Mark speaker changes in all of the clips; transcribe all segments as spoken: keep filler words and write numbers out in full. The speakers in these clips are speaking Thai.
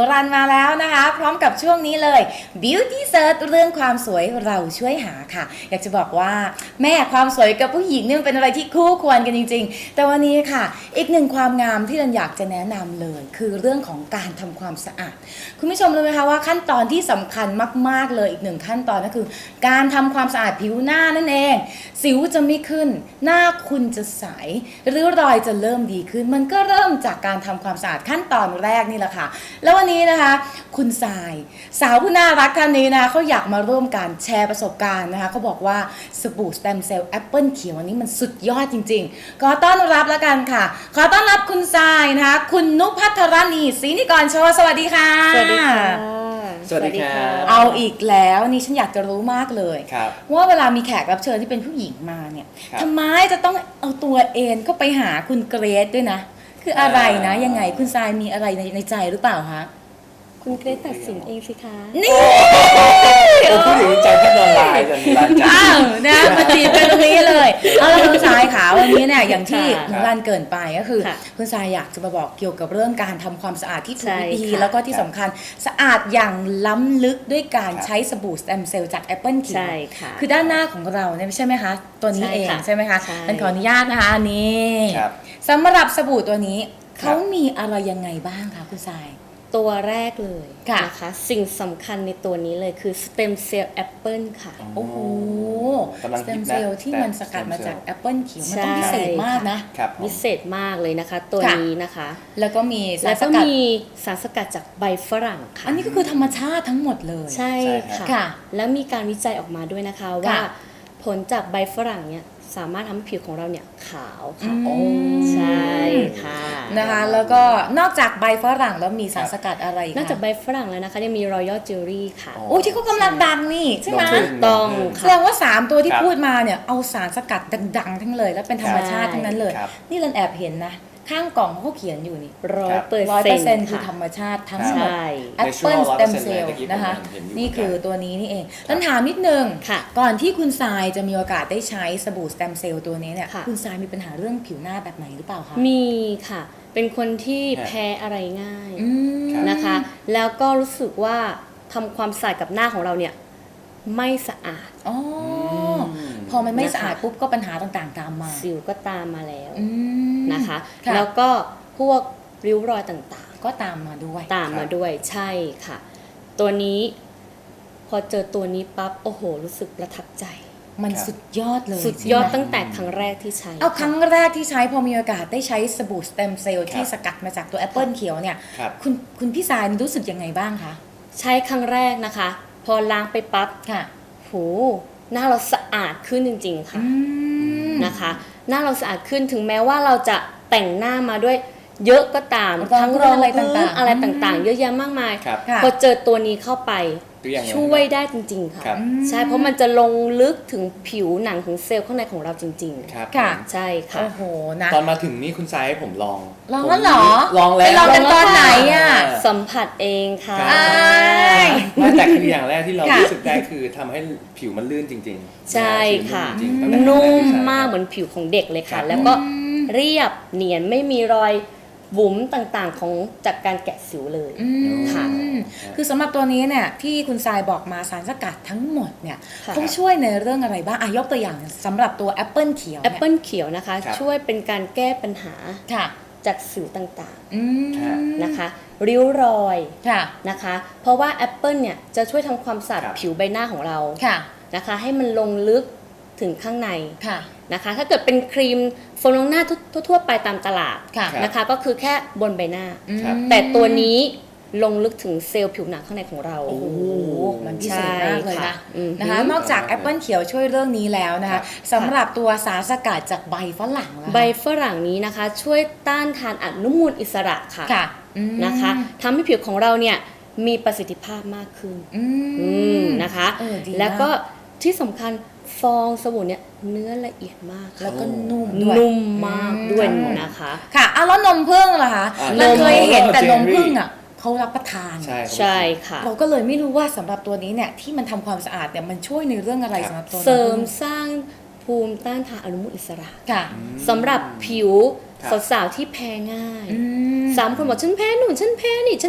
Speaker 1: รันมาแล้วนะคะพร้อมกับช่วงนี้เลย Beauty Search เรื่องความสวยเราช่วยหาค่ะอยากจะบอกว่าแม่ความสวยกับผู้หญิงนี่มันเป็นอะไรที่คู่ควรกันจริงๆแต่วันนี้ค่ะอีกหนึ่งความงามที่รันอยากจะแนะนำเลยคือเรื่องของการทำความสะอาดคุณผู้ชมรู้ไหมคะว่าขั้นตอนที่สำคัญมากๆเลยอีกหนึ่งขั้นตอนก็คือการทำความสะอาดผิวหน้านั่นเองสิวจะไม่ขึ้นหน้าคุณจะใสริ้วรอยจะเริ่มดีขึ้นมันก็เริ่มจากการทำความสะอาดขั้นตอนแรกนี่แหละค่ะแล้ววันนี้นะคะคุณทรายสาวผู้น่ารักท่านนี้นะคะเขาอยากมาร่วมกันแชร์ประสบการณ์นะคะเขาบอกว่าสบู่สเต็มเซลล์แอปเปิลเขียวอันนี้มันสุดยอดจริงๆขอต้อนรับแล้วกันค่ะขอต้อนรับคุณทรายนะคะคุณนุภัทรณีศรีนิกรโชว์สวัสดีค่ะ
Speaker 2: สวัสดีค่ะ
Speaker 3: สวัสดีครับ
Speaker 1: เอาอีกแล้วนี่ฉันอยากจะรู้มากเลยว่าเวลามีแขกรับเชิญที่เป็นผู้หญิงมาเนี่ยทำไมจะต้องเอาตัวเองก็ไปหาคุณเกรซด้วยนะคืออะไรนะยังไงคุณทรายมีอะไรในในใจหรือเปล่าคะ
Speaker 2: คุณเกรซตัดสินเองสิคะ
Speaker 1: นี่
Speaker 3: ผมพูดถึงใจแค่นอนลายแต่มีร้านจ้า
Speaker 1: อ้าวนะมาจีบกันตรงนี้เลยเอาละคุณทรายค่ะวันนี้เนี่ยอย่างที่ร้านเกินไปก็คือคุณทรายอยากจะมาบอกเกี่ยวกับเรื่องการทำความสะอาดที่ถูกวิธีแล้วก็ที่สำคัญสะอาดอย่างล้ำลึกด้วยการใช้สบู่สเต็มเซลล์จากแอปเปิลเขียวคือด้านหน้าของเราเนี่ยใช่ไหมคะตัวนี้เองใช่ไหมคะมันขออนุญาตนะคะนี่สำหรับสบู่ตัวนี้เขามีอะไรยังไงบ้างคะคุณทราย
Speaker 2: ตัวแรกเลยนะคะสิ่งสำคัญในตัวนี้เลยคือสเต็มเซลล์แอปเปิลค่ะ
Speaker 1: โอ้โหสเต็มเซลล์ที่มันสกัดมาจากแอปเปิลเขียวมันต้องพิเศษมากนะ
Speaker 2: พิเศษมากเลยนะคะตัวนี้นะคะ
Speaker 1: แล้วก็มี
Speaker 2: สารสกัดมีสารสกัดจากใบฝรั่งค่ะ
Speaker 1: อันนี้ก็คือธรรมชาติทั้งหมดเลย
Speaker 2: ใช่ค่ะแล้วมีการวิจัยออกมาด้วยนะคะว่าผลจากใบฝรั่งเนี่ยสามารถทำให้ผิวของเราเนี่ยขาวค่ะใช่ค่ะ
Speaker 1: นะคะแล้วก็นอกจากใบฝรั่งแล้วมีสารสกัดอะไร
Speaker 2: นอกจากใบฝรั่งแล้วนะคะยังมี Royal Jelly ค่ะ
Speaker 1: โอ้ที่เขากำลังดังนี่ใช่ไหม
Speaker 2: ต้อง
Speaker 1: แสดงว่าสามตัวที่พูดมาเนี่ยเอาสารสกัดดังๆทั้งเลยแล้วเป็นธรรมชาติทั้งนั้นเลยนี่เราแอบเห็นนะข้างกล่องเขาเขียนอยู่นี่
Speaker 2: ร้อยเปอร์
Speaker 1: เซ็นต์คือธรรมชาติทั้งหมดแอปเปิลสเต็มเซลล์นะคะนี่คือตัวนี้นี่เองแล้วถามนิดนึงก่อนที่คุณทรายจะมีโอกาสได้ใช้สบู่สเต็มเซลล์ตัวนี้เนี่ยคุณทรายมีปัญหาเรื่องผิวหน้าแบบไหนหรือเปล่าคะ
Speaker 2: มีค่ะเป็นคนที่แพ้อะไรง่ายนะคะแล้วก็รู้สึกว่าทำความสะอาดกับหน้าของเราเนี่ยไม่สะอาด
Speaker 1: อ๋อพอมันไม่สะอาดปุ๊บก็ปัญหาต่างๆตามมา
Speaker 2: สิวก็ตามมาแล้วนะคะแล้วก็พวกริ้วรอยต่าง
Speaker 1: ๆก็ตามมาด้วย
Speaker 2: ตามมาด้วยใช่ค่ะตัวนี้พอเจอตัวนี้ปั๊บโอ้โหรู้สึกประทับใจ
Speaker 1: มันสุดยอดเลย
Speaker 2: สุดยอดตั้งแต่ครั้งแรกที่ใช้
Speaker 1: เอาครั้งแรกที่ใช้พอมีโอกาสได้ใช้สบู่สเต็มเซลล์ที่สกัดมาจากตัวแอปเปิลเขียวเนี่ยคุณคุณพี่สายรู้สึกยังไงบ้างคะ
Speaker 2: ใช้ครั้งแรกนะคะพอล้างไปปั๊บ
Speaker 1: ค่ะ
Speaker 2: โหหน้าเราสะอาดขึ้นจริงๆค่ะนะคะหน้าเราสะอาดขึ้นถึงแม้ว่าเราจะแต่งหน้ามาด้วยเยอะก็ตามทั้งรอง
Speaker 1: อะไรต่าง
Speaker 2: ๆอะไรต่างๆเยอะแยะมากมายพอเจอตัวนี้เข้าไปช่วยได้จริงๆค่ะใช่เพราะมันจะลงลึกถึงผิวหนังของเซลล์ข้างในของเราจริง
Speaker 3: ๆค่ะ
Speaker 2: ใช่ค่ะ
Speaker 1: โอ้โหนะ
Speaker 3: ตอนมาถึงนี่คุณทรายให้ผมลอง
Speaker 1: ลองแล้วเหรอ
Speaker 3: ลองแล้ว
Speaker 1: ไปลองกันตอนไหนอ่ะ
Speaker 2: สัมผัสเองค่ะ
Speaker 3: ไม่แต่คืออย่างแรกที่เรารู้สึกได้คือทำให้ผิวมันลื่นจริง
Speaker 2: ๆใช่ค่ะนุ่มมากเหมือนผิวของเด็กเลยค่ะแล้วก็เรียบเนียนไม่มีรอยบุ๋มต่างๆของจากการแกะสิวเลยค่ะ
Speaker 1: คือสำหรับตัวนี้เนี่ยที่คุณทรายบอกมาสารสกัดทั้งหมดเนี่ยต้องช่วยในเรื่องอะไรบ้างอ่ะยกตัวอย่างสำหรับตัวแอปเปิลเขียว
Speaker 2: แอปเปิลเขียวนะคะช่วยเป็นการแก้ปัญหาจากสิวต่างๆนะคะริ้วรอยนะคะเพราะว่าแอปเปิลเนี่ยจะช่วยทำความสะอาดผิวใบหน้าของเรานะคะให้มันลงลึกถึงข้างในนะคะถ้าเกิดเป็นครีมโฟมล้างหน้าทั่วๆไปตามตลาดนะคะก็คือแค่บนใบหน้าแต่ตัวนี้ลงลึกถึงเซลล์ผิวหนังข้างในของเรา
Speaker 1: โอ้โหมันพิเศษมากเลยนะนะคะนอกจากแอปเปิลเขียวช่วยเรื่องนี้แล้วนะคะสำหรับตัวสารสกัดจากใบฝรั่ง
Speaker 2: ใบฝรั่งนี้นะคะช่วยต้านทานอนุมูลอิสระค่ะนะคะทำให้ผิวของเราเนี่ยมีประสิทธิภาพมากขึ้นนะคะแล้วก็ที่สำคัญฟองสบู่เนี่ยเนื้อละเอียดมาก
Speaker 1: แล้วก็นุ่มด้วย
Speaker 2: นุ่มมากด้วยนะคะ
Speaker 1: ค่ะอ่ะแล้วนมผึ้งล่ะคะเราเคยเห็นแต่นมผึ้งอ่ะเขารับประทาน
Speaker 2: ใช่ค่ะ
Speaker 1: เราก็เลยไม่รู้ว่าสำหรับตัวนี้เนี่ยที่มันทำความสะอาดเนี่ยมันช่วยในเรื่องอะไรสำหรับตัว
Speaker 2: เสริมสร้างภูมิต้านทานอนุมูลอิสระ
Speaker 1: ค่ะ
Speaker 2: สำหรับผิวสาวๆที่แพ้ง่ายสามคนบอกฉันแพ้หนูฉันแพ้นี่ฉัน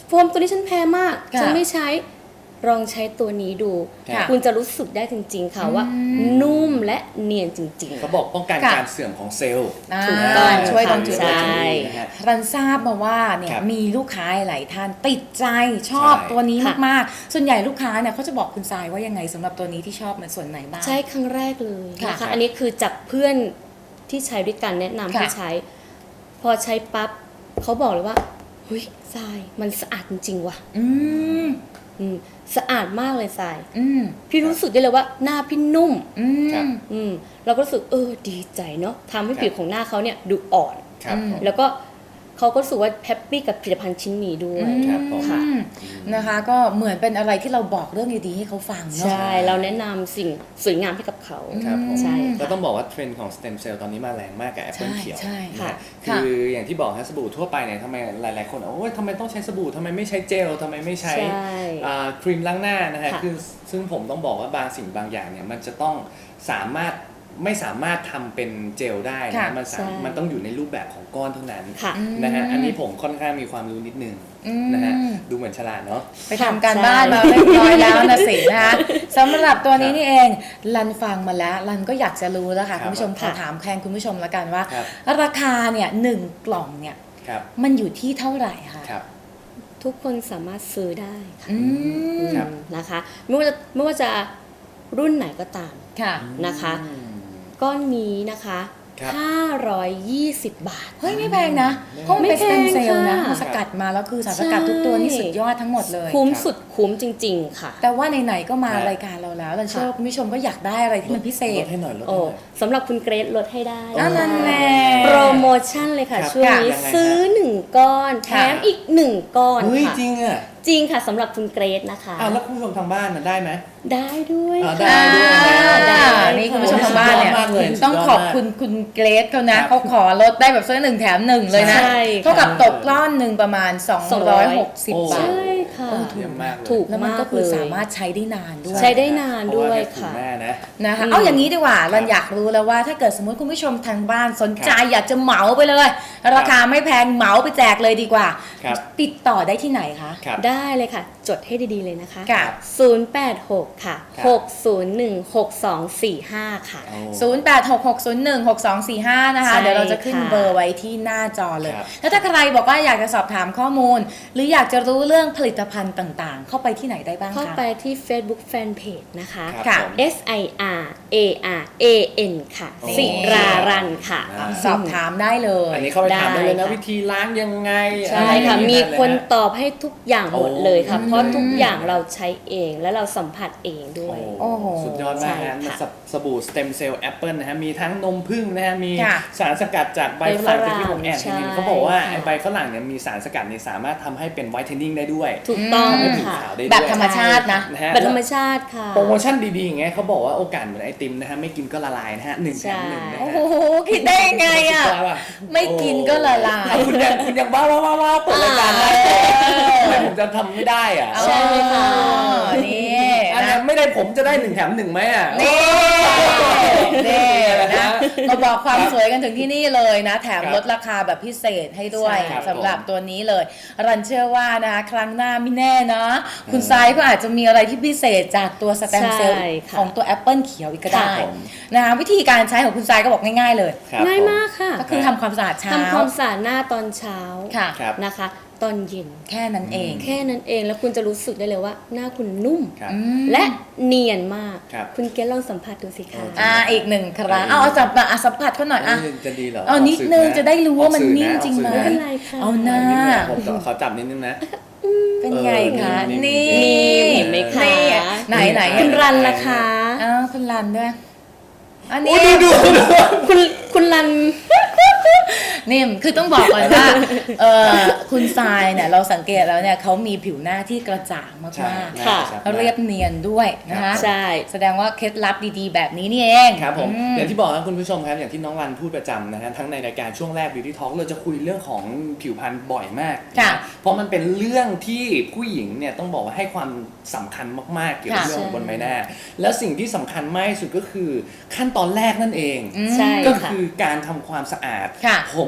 Speaker 2: โฟมตัวนี้ฉันแพ้มาก
Speaker 1: ค่ะ
Speaker 2: ฉันไม่ใช้ลองใช้ตัวนี้ดู
Speaker 3: ค่ะ
Speaker 2: คุณจะรู้สึกได้จริงๆค่ะว่า นุ่มและเนียนจริงๆ
Speaker 3: เขาบอกป้องกัน
Speaker 1: ค่ะ
Speaker 3: การเสื่อมของเซลล์
Speaker 1: อ่า
Speaker 2: ถูกต้อง
Speaker 1: ช่วยตรงจุด
Speaker 2: ใช่
Speaker 1: นี้
Speaker 3: นะฮะ
Speaker 1: รันทราบมาว่าเนี่ย
Speaker 3: ครับ
Speaker 1: มีลูกค้าหลายท่านติดใจชอบ
Speaker 3: ใช่
Speaker 1: ตัวนี้
Speaker 2: ค่ะ
Speaker 1: มากๆ ส่วนใหญ่ลูกค้าเนี่ยเขาจะบอกคุณทรายว่ายังไงสำหรับตัวนี้ที่ชอบในส่วนไหนบ้าง
Speaker 2: ใช้ครั้งแรกเลย
Speaker 1: ค่ะ
Speaker 2: นะคะ อันนี้คือจากเพื่อนที่ใช้ด้วยกันแนะนำ
Speaker 1: ค่ะ
Speaker 2: ให้ใช้ พอใช้ปั๊บเขาบอกเลยว่าเฮ้ยทรายมันสะอาดจริงๆว่ะ
Speaker 1: อืม
Speaker 2: อืมสะอาดมากเลยทราย
Speaker 1: อืม
Speaker 2: พี่รู้สึกได้เลยว่าหน้าพี่นุ่ม
Speaker 1: อื
Speaker 3: ครับ
Speaker 1: ม
Speaker 2: อืมเราก็รู้สึกเออดีใจเนาะทำให้
Speaker 3: ครับ
Speaker 2: ผิวของหน้าเขาเนี่ยดูอ่อน
Speaker 3: ครับ
Speaker 1: อืม
Speaker 3: ผม
Speaker 2: แล้วก็เขาก็รู้สึกว่าแฮปปี้กับผลิตภัณฑ์ชิ้นนี้ด้วย
Speaker 3: ครับผม
Speaker 2: ค่ะ
Speaker 1: อืมนะคะ ก็เหมือนเป็นอะไรที่เราบอกเรื่องดีๆให้เขาฟังเนาะ
Speaker 2: ใช่เราแนะนำสิ่งสวยงามให้กับเขา
Speaker 3: ครับผม
Speaker 2: ใช่
Speaker 3: ก็
Speaker 2: ค่ะ
Speaker 3: ต้องบอกว่าเทรนด์ของสเต็มเซลล์ตอนนี้มาแรงมากกับแอปเปิล
Speaker 1: ใช่
Speaker 3: เขียว
Speaker 1: ใช่
Speaker 3: นะ
Speaker 2: ค่ะ
Speaker 3: ฮะ
Speaker 1: ค่ะ
Speaker 3: คืออย่างที่บอกฮะสบู่ทั่วไปเนี่ยทำไมหลายๆคนโอ้ยทำไมต้องใช้สบู่ทำไมไม่ใช้เจลทำไมไม่ใช้
Speaker 2: ใช่
Speaker 3: อ่าครีมล้างหน้านะฮะ
Speaker 2: ค่ะ
Speaker 3: คือซึ่งผมต้องบอกว่าบางสิ่งบางอย่างเนี่ยมันจะต้องสามารถไม่สามารถทำเป็นเจลได้
Speaker 1: ค่ะ
Speaker 3: นะมันสาม
Speaker 2: ใช่
Speaker 3: มันต้องอยู่ในรูปแบบของก้อนเท่านั้น
Speaker 2: ค่ะ
Speaker 3: นะฮะอันนี้ผมค่อนข้างมีความรู้นิดนึง
Speaker 1: อืม
Speaker 3: นะฮะดูเหมือนฉลาดเนาะ
Speaker 1: ไปทำการบ้านมาเรียบร้อยแล้วนะสินะคะสำหรับตัวนี้นี่เองรันฟังมาแล้วรันก็อยากจะรู้แล้วค่ะ
Speaker 3: ครับ
Speaker 1: คุณผู้ชมขอ
Speaker 2: ค่ะ
Speaker 1: ถามแทนคุณผู้ชมแล้วกันว่า
Speaker 3: ครับ
Speaker 1: ราคาเนี่ยหนึ่งกล่องเนี่ย
Speaker 3: ครับ
Speaker 1: มันอยู่ที่เท่าไหร่คะ
Speaker 3: ครับ
Speaker 2: ทุกคนสามารถซื้อได้ค่ะ
Speaker 1: อืม
Speaker 3: ครับ
Speaker 2: นะคะ ไม่ว่าจะไม่ว่าจะรุ่นไหนก็ตาม
Speaker 1: ค่ะ
Speaker 2: นะคะ
Speaker 3: อืม
Speaker 2: ก้อนนี้นะคะ
Speaker 3: ครับ
Speaker 2: ห้าร้อยยี่สิบ บาท
Speaker 1: เฮ้ยไม่แพงนะ เพราะมันเป็นส
Speaker 2: ไม่แพ
Speaker 1: เต็
Speaker 2: ง
Speaker 1: มเซลล์นะ
Speaker 2: ค่ะ
Speaker 1: มันสกัดมาแล้วคือสารสกัดทุกตัวนี่สุดยอดทั้งหมดเลย
Speaker 2: คุ้ม
Speaker 3: ครับ
Speaker 2: สุดคุ้มจริง ๆ ค่ะ
Speaker 1: แต่ว่าไหนๆก็มา
Speaker 3: ครับ
Speaker 1: รายการเราแล้วรันเชื่อว่าคุณผู้ชมก็อยากได้อะไรที่มันพิเศ
Speaker 3: ล
Speaker 1: ษ
Speaker 3: ดให้หน่อยลด
Speaker 2: โอ้
Speaker 3: ให้หน่อย
Speaker 2: สำหรับคุณเกรซลดให้ได้
Speaker 1: อ่ะนั่นแน่
Speaker 2: โปรโมชั่นเลยค่ะ
Speaker 3: ครับ
Speaker 2: ช่วงนี้
Speaker 3: ยังไงฮะ
Speaker 2: ซื้อหนึ่งก้อนแถ
Speaker 1: ค่ะ
Speaker 2: มอีกหนึ่งก้อน
Speaker 3: เฮ้ย
Speaker 2: ค่ะ
Speaker 3: จริงอ่ะ
Speaker 2: จริงค่ะสำหรับคุณเกรซนะคะ
Speaker 3: อ้าวแล้วคุณผู้ชมทางบ้านน่ะได้ไหม
Speaker 2: ได้ด้วย
Speaker 3: อ่า
Speaker 2: ค่ะ
Speaker 3: ได้ด้วยนะ
Speaker 2: ได้
Speaker 1: นี่คุณผู้ชมทางบ้านเนี่ย
Speaker 3: สุดยอดมากเลย
Speaker 1: ต้องขอบคุณคุณเกรซเขานะครับ เขาขอลดได้แบบซื้อหนึ่งแถมหนึ่งเลยนะ
Speaker 2: ใช่ค่ะ
Speaker 1: เท่ากับตกก้อนหนึ่งประมาณ สองร้อยหกสิบ
Speaker 3: โอ้
Speaker 1: บาท
Speaker 2: ใช่ค่ะ
Speaker 1: โอ้
Speaker 3: เยี่ยมมากเลย
Speaker 2: ถูก
Speaker 1: แล้วมัน
Speaker 2: มาก
Speaker 1: ก็คือ
Speaker 2: เลย
Speaker 1: สามารถใช้ได้นานด้วย
Speaker 2: ใช้ได้นานด้วยค่ะ
Speaker 3: เพราว่าแม่นะ
Speaker 1: นะคะ
Speaker 2: อืม
Speaker 1: เอาอย่างนี้ดีกว่ารันอยากรู้แล้วว่าถ้าเกิดสมมติคุณผู้ชมทางบ้านสนใจอยากจะเหมาไปเลย ราคาไม่แพงเหมาไปแจกเลยดีกว่า
Speaker 3: ครับ
Speaker 1: ติดต่อได้ที่ไหนคะ
Speaker 3: ครับ
Speaker 2: ได้เลยค่ะ จดให้ดีๆเลยนะคะ
Speaker 1: ค่ะ
Speaker 2: ศูนย์ แปด หก ค่ะ
Speaker 3: ครับ
Speaker 2: หก ศูนย์ หนึ่ง หก สอง สี่ ห้า ค่ะ
Speaker 3: โอ้
Speaker 1: ศูนย์ แปด หก หก ศูนย์ หนึ่ง หก สอง สี่ ห้า นะคะ
Speaker 2: ใช่
Speaker 1: เดี๋ยวเราจะขึ้น
Speaker 2: ค่ะ
Speaker 1: เบอร์ไว้ที่หน้าจอเลย
Speaker 3: ครับ
Speaker 1: แล้วถ้าใครบอกว่าอยากจะสอบถามข้อมูล หรืออยากจะรู้เรื่องผลิตภัณฑ์ต่างๆ เข้าไปที่ไหนได้บ้างคะ
Speaker 2: เข้าไปที่ Facebook Fanpage นะคะ
Speaker 3: ครับ
Speaker 1: ค่ะ
Speaker 3: ผม
Speaker 2: S I R A R A N ค่ะ
Speaker 3: โอ้
Speaker 2: สิรารันค่ะ
Speaker 3: อ่า
Speaker 1: สอบถามได้เลย
Speaker 3: อันนี้เข้าไปถามได้เลยนะ
Speaker 2: ได้ค่ะ
Speaker 3: วิธีล้างยังไง
Speaker 2: ใช่ค่ะ
Speaker 3: อไร
Speaker 2: มี
Speaker 3: อย่างเงี้ย
Speaker 2: คน
Speaker 3: เลยะ
Speaker 2: ตอบให้ทุกอย่างหมดเลยค่ะ
Speaker 3: โอ้
Speaker 2: เพราะทุกอย่างเราใช้เองและเราสัมผัสเองด้วย
Speaker 1: โอ้โห
Speaker 3: สุดยอดมาก
Speaker 2: ใช่
Speaker 3: ฮะ
Speaker 2: ค่ะ
Speaker 3: สบสบู่สเต็มเซลล์แอปเปิลนะฮะมีทั้งนมผึ้งนะฮะมี
Speaker 1: ค่ะ
Speaker 3: สารสกัดจากใบฝรั่ง
Speaker 2: ใบฝรั่ง
Speaker 3: ที่ผมแอบเห็น
Speaker 2: ใช่
Speaker 3: เขาบอกว่า
Speaker 2: ค่ะ
Speaker 3: ไอ้ใบฝรั่งเนี่ยมีสารสกัดเนี่ยสามารถทำให้เป็นไวท์เทนนิ่งได้ด้วย
Speaker 2: ถูกต้อง
Speaker 3: ทำให้ผิว
Speaker 2: ค่ะ
Speaker 3: ขาวได้ด้วย
Speaker 1: แบบธรรมชาตินะ
Speaker 3: นะฮะ
Speaker 2: แบบธรรมชาติค่ะ
Speaker 3: โปรโมชั่นดีๆอย่างเงี้ยเขาบอกว่าโอกาสเหมือนไอติมนะฮะไม่กินก็ละลายนะฮะหนึ่งแถมหนึ่งนะ
Speaker 1: โอ้
Speaker 3: ฮะ
Speaker 1: โหคิดได้ยังไงอ่ะ
Speaker 3: สุดยดว่
Speaker 1: ไม่กินก็ละลาย
Speaker 3: โอ้คุณยังคุณยังบ้าบ้าบ้าบ้าเปิดรายการได้ทำไมผมจะทำไม่ได้อ่ะ
Speaker 2: ใช่ค่ะ
Speaker 1: นี่
Speaker 3: อัน
Speaker 1: นะ
Speaker 3: นั้นไม่ได้ผมจะได้หนึ่งแถมหนึ่งไหมอ่ะ
Speaker 1: นี่นี่นะมาบอกความสวยกันถึงที่นี่เลยนะ แถม
Speaker 3: ครับ
Speaker 1: ลดราคาแบบพิเศษให้ด้วย
Speaker 3: ใช่ครับ
Speaker 1: สำหรับตัวนี้เลย รันเชื่อว่านะครั้งหน้าไม่แน่นะ คุณไซายก็อาจจะมีอะไรที่พิเศษจากตัวสแตมเซลล์
Speaker 2: ใช่ค่ะ
Speaker 1: ของตัวแอปเปิลเขียวอีกก็ได้
Speaker 3: ครับผม
Speaker 1: นะคะวิธีการใช้ของคุณไซายก็บอกง่ายๆเลย
Speaker 3: ครับ
Speaker 2: ง่าย
Speaker 3: ผม
Speaker 2: มากค่ะ
Speaker 1: ก็คือทำความสะอาดเช้า
Speaker 2: ทำความสะอาดหน้าตอนเช้า
Speaker 1: ค่ะ
Speaker 3: ครับ
Speaker 2: นะคะ ตอนเย็น
Speaker 1: แค่นั้นเอง
Speaker 2: แค่นั้นเองแล้วคุณจะรู้สึกได้เลยว่าหน้าคุณนุ่ม
Speaker 3: ครับ
Speaker 1: อืม
Speaker 2: และเนียนมาก
Speaker 3: ครับ
Speaker 2: คุณเกลลองสัมผัสดูสิคะ
Speaker 1: อ่าอีกหนึ่งครั้งเอาเอาจับมาอ่ะสัมผัสเขาหน่อยอ่ะ
Speaker 3: เอ้ยจะดีเหรอ
Speaker 1: เอานิดนึงจะได้รู้ว่ามันนิ่มจริงไหม
Speaker 2: ไม่เป็นไรค่ะ
Speaker 1: เอาหน้า
Speaker 3: นิดนึงผมขอขอจับนิดนึงนะ
Speaker 1: เป็นไงคะ
Speaker 3: เออ
Speaker 1: นี่
Speaker 2: นี่เห็นไหมคะ
Speaker 1: นี่ไหนไหน
Speaker 2: คุณรันล่ะคะ
Speaker 1: อ้าวคุณรันด้วยอัน
Speaker 3: โอ้
Speaker 1: นี้
Speaker 3: ดูดูดู
Speaker 2: คุณคุณรัน
Speaker 1: นี่คือต้องบอกก่อนว่าเออคุณทรายเนี่ยเราสังเกตแล้วเนี่ยเขามีผิวหน้าที่กระจ่างม
Speaker 3: ใช่
Speaker 1: าก
Speaker 2: ค่ะ
Speaker 3: น่าจะชัด
Speaker 1: ๆเรียบเนียนด้วยนะคะ
Speaker 2: ใช่
Speaker 1: แสดงว่าเคล็ดลับดีๆ แบบนี้นี่เอง
Speaker 3: ครับผม
Speaker 1: อื
Speaker 3: อย่างที่บอกนะคุณผู้ชมครับอย่างที่น้องรันพูดประจำนะฮะทั้งในรายการช่วงแรก Beauty Talk เราจะคุยเรื่องของผิวพรรณบ่อยมาก
Speaker 1: ค่ะ
Speaker 3: นเพราะมันเป็นเรื่องที่ผู้หญิงเนี่ยต้องบอกว่าให้ความสำคัญมากๆเกี่ยวกับ
Speaker 1: ค่ะ
Speaker 3: เรื่องของบนใบหน้า แล้วสิ่งที่สำคัญมากที่สุดก็คือขั้นตอนแรกนั่นเอง
Speaker 1: อืม
Speaker 2: ใช่
Speaker 3: ก็
Speaker 2: ค่ะ
Speaker 3: คือการทำความสะอาด
Speaker 1: ค่ะ
Speaker 3: ผม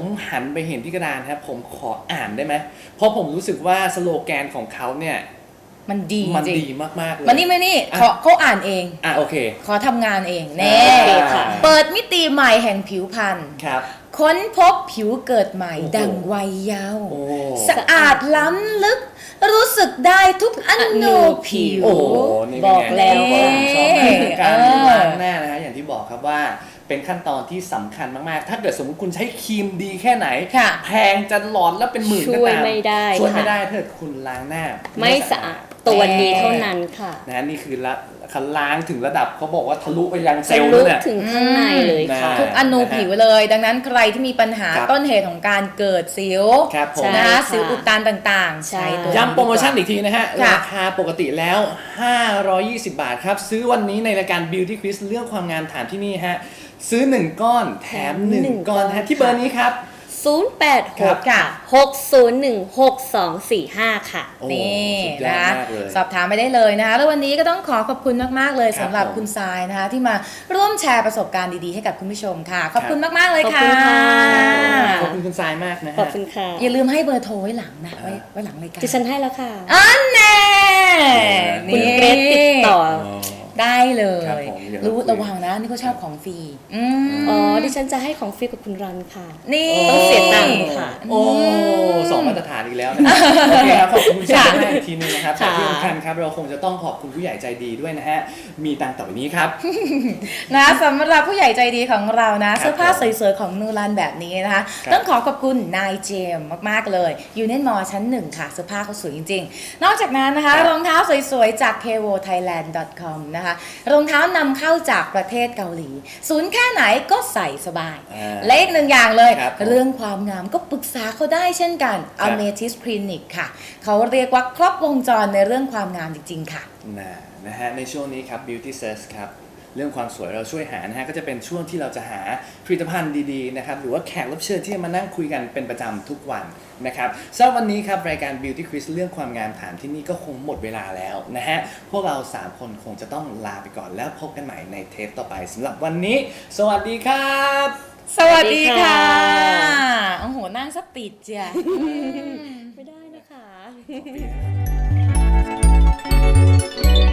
Speaker 3: หันไปเห็นที่กระดานครับผมขออ่านได้ไหมเพราะผมรู้สึกว่าสโลแกนของเขาเนี่ย
Speaker 1: มันดี
Speaker 3: มัน
Speaker 1: จริง
Speaker 3: ดีมากๆเลย
Speaker 1: มันนี่ไม่นี่เขาเขาอ่านเอง
Speaker 3: อ่ะโอเค
Speaker 1: ขอทำงานเองเน่
Speaker 3: ค่ะ
Speaker 1: เปิดมิติใหม่แห่งผิวพรรณ
Speaker 3: ครับ
Speaker 1: ค้นพบผิวเกิดใหม่
Speaker 3: โอ้โห
Speaker 1: ดังวัยเยาว์
Speaker 3: โอ้
Speaker 1: สะอาดล้ำลึก รู้สึกได้ทุกอนูผิว
Speaker 3: โอ้โหนี่
Speaker 2: บอกแล้ว
Speaker 3: ผมชอบมากคือการ
Speaker 1: เออ
Speaker 3: ล้างหน้านะฮะอย่างที่บอกครับว่าเป็นขั้นตอนที่สำคัญมากๆ ถ้าเกิดสมมติคุณใช้ครีมดีแค่ไหน
Speaker 1: ค่ะ
Speaker 3: แพงจะหลอนแล้วเป็นหมื่นก็ตาม
Speaker 2: ช่วยไม่ได้
Speaker 3: ช่วยไม่
Speaker 2: ค่ะ
Speaker 3: ได้ถ้าเกิดคุณล้างหน้า
Speaker 2: ไม่สะอาดตัวนี้เท่านั้นค่ะ
Speaker 3: นะฮะนี่คือละคันล้างถึงระดับเขาบอกว่าทะลุไปยังเซลล์
Speaker 2: ลึ
Speaker 3: นั่
Speaker 2: ก
Speaker 3: นแหละ
Speaker 2: ถึงข้างในเลยค่ะ
Speaker 1: ทุกอนูผิวเลย ดังนั้นใครที่มีปัญหา
Speaker 3: ครับ
Speaker 1: ต้นเหตุของการเกิดสิว
Speaker 3: ครับผม
Speaker 2: ใช่
Speaker 1: นะ
Speaker 2: ค่ะ
Speaker 1: สิวอุดตันต่างๆ
Speaker 2: ใช่
Speaker 1: ใช้ตัว
Speaker 3: ย้ำโปรโมชั่นอีกทีนะฮะ
Speaker 1: ค่ะ
Speaker 3: ราคาปกติแล้ว ห้าร้อยยี่สิบ บาทครับ ซื้อวันนี้ในรายการ Beauty Quiz เรื่องความงามถามที่นี่ฮะ ซื้อ หนึ่ง ก้อนแถม หนึ่ง
Speaker 2: หนึ่ง
Speaker 3: ก้อน
Speaker 2: ก้อน
Speaker 3: ฮะที่เบอร์นี้ครับ
Speaker 2: ศูนย์ แปด ห
Speaker 3: ครั
Speaker 2: ก
Speaker 3: บ
Speaker 1: ค่ะ
Speaker 2: หก ศูนย์ หนึ่ง หก สอง สี่ ห้า ค่ะ
Speaker 3: โอ้
Speaker 1: นี่
Speaker 3: สุดยอด
Speaker 1: นะ
Speaker 3: มากเลย
Speaker 1: สอบถามไปได้เลยนะคะแล้ววันนี้ก็ต้องขอขอบคุณมากๆเลย
Speaker 3: ครับ
Speaker 1: สำหรับ
Speaker 3: ผม
Speaker 1: คุณทรายนะคะที่มาร่วมแชร์ประสบการณ์ดีๆให้กับคุณผู้ชมค่ะ ขอบคุณมากๆเลย
Speaker 2: ขอบ
Speaker 1: ค่ะ
Speaker 2: คุณค่ะ
Speaker 3: ขอบคุณคุณทรายมากนะ
Speaker 2: ขอบ
Speaker 3: ฮะ
Speaker 2: คุณค่ะ
Speaker 1: อย่าลืมให้เบอร์โทรไว้หลังนะไว้ไว้หลังรายการ
Speaker 2: ดิฉันให้แล้วค่ะ
Speaker 1: อันแน่
Speaker 2: คุณเกรซติดต่อ
Speaker 1: ได้เล
Speaker 3: ครับ
Speaker 1: ย
Speaker 3: ผมเดี๋ยว
Speaker 1: รู้
Speaker 3: เราคุย
Speaker 1: ระวังนะนี่เขาชอบของฟรีอืม
Speaker 2: อ๋อ ดิฉันจะให้ของฟรีกับคุณรันค่ะ
Speaker 1: นี่
Speaker 2: ต้องเสียตังค์ค่ะ
Speaker 3: โอ้สองมาตรฐานอีกแล้วนะโอเคครับขอบคุณคุณทรายมากอีกทีนึงนะครับแต่
Speaker 2: ค่ะ
Speaker 3: ที่สำคัญครับเราคงจะต้องขอบคุณผู้ใหญ่ใจดีด้วยนะฮะมีดังต่อไปนี้ครับ
Speaker 1: นะสำหรับผู้ใหญ่ใจดีของเรานะ
Speaker 3: ครับ
Speaker 1: เสื้อผ้าสวยๆของนูรันแบบนี้นะคะ
Speaker 3: ครับ
Speaker 1: ต้องขอขอบคุณนายเจมส์มากๆเลยยูเน มอชั้นหนึ่งค่ะเสื้อผ้าเขาสวยจริงๆ นอกจากนั้นนะคะ
Speaker 3: ครับ
Speaker 1: รองเท้าสวยๆจาก เค โอ ไทยแลนด์ ดอท คอม นะคะรองเท้านำเข้าจากประเทศเกาหลี ศูนย์แค่ไหนก็ใส่สบาย
Speaker 3: อ่า
Speaker 1: และอีกหนึ่งอย่างเลย
Speaker 3: ครับผม
Speaker 1: เรื่องความงามก็ปรึกษาเขาได้เช่นกัน
Speaker 3: ครับ
Speaker 1: Amethyst Clinic ค่ะ เขาเรียกว่าครบวงจรในเรื่องความงามจริงๆค่ะ
Speaker 3: นะนะฮะในช่วงนี้ครับ Beauty Search ครับเรื่องความสวยเราช่วยหานะฮะก็จะเป็นช่วงที่เราจะหาผลิตภัณฑ์ดีๆนะครับหรือว่าแขกรับเชิญที่จะมานั่งคุยกันเป็นประจำทุกวันนะครับสำหรับวันนี้ครับรายการ Beauty Quiz เรื่องความงามถามที่นี่ก็คงหมดเวลาแล้วนะฮะพวกเราสามคนคงจะต้องลาไปก่อนแล้วพบกันใหม่ในเทปต่อไปสำหรับวันนี้ สวัสดีครับ
Speaker 1: สวัสดีค่ะ
Speaker 2: สวัสดีค่ะ
Speaker 1: โอ้โหนั่งสติดจ้ะ
Speaker 2: ไม่ได้นะคะ